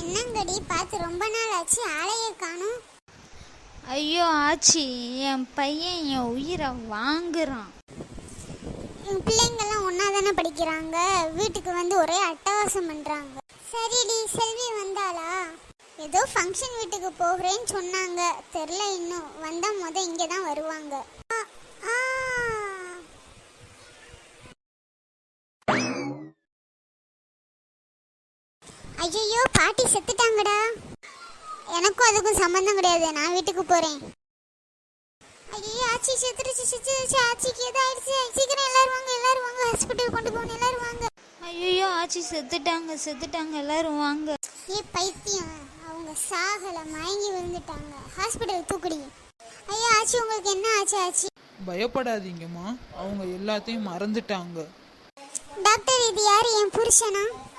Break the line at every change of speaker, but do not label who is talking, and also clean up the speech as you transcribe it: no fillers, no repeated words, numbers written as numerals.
என்னங்கடி பார்த்து ரொம்ப நாள் ஆச்சு, ஆளையே காணும்.
ஐயோ ஆச்சி, என் பையன் என் உயிரை வாங்குறான்.
என் பிள்ளைங்கெல்லாம் ஒன்றா தானே படிக்கிறாங்க, வீட்டுக்கு வந்து ஒரே அட்டகாசம் பண்ணுறாங்க. சரிடி, செல்வி வந்தாளா? ஏதோ ஃபங்க்ஷன் வீட்டுக்கு போகிறேன்னு சொன்னாங்க, தெரில இன்னும். வந்தால் இங்கே தான் வருவாங்க. ஐயோ, பாட்டி செத்துட்டாங்கடா. எனக்கும் அதுக்கும் சம்மந்தம் கிடையாது, நான் வீட்டுக்கு போகிறேன். ஐயோ, ஆச்சி செத்துருச்சு. ஆச்சிக்கு ஏதோ ஆயிடுச்சு. சீக்கிரம் எல்லாரும் வாங்க ஹாஸ்பிட்டல் கொண்டு போகணும், எல்லாரும் வாங்க.
ஐயோ ஆச்சி செத்துட்டாங்க, எல்லாரும் வாங்க.
பைத்தியம், அவங்க சாகல, மயங்கி விழுந்துட்டாங்க. ஹாஸ்பிட்டல் தூக்குடி. ஐயோ ஆச்சி, உங்களுக்கு என்ன ஆச்சு ஆச்சி?
பயப்படாதீங்கம்மா, அவங்க எல்லாத்தையும் மறந்துட்டாங்க.
டாக்டர், இது யாரு? என் புருஷனா?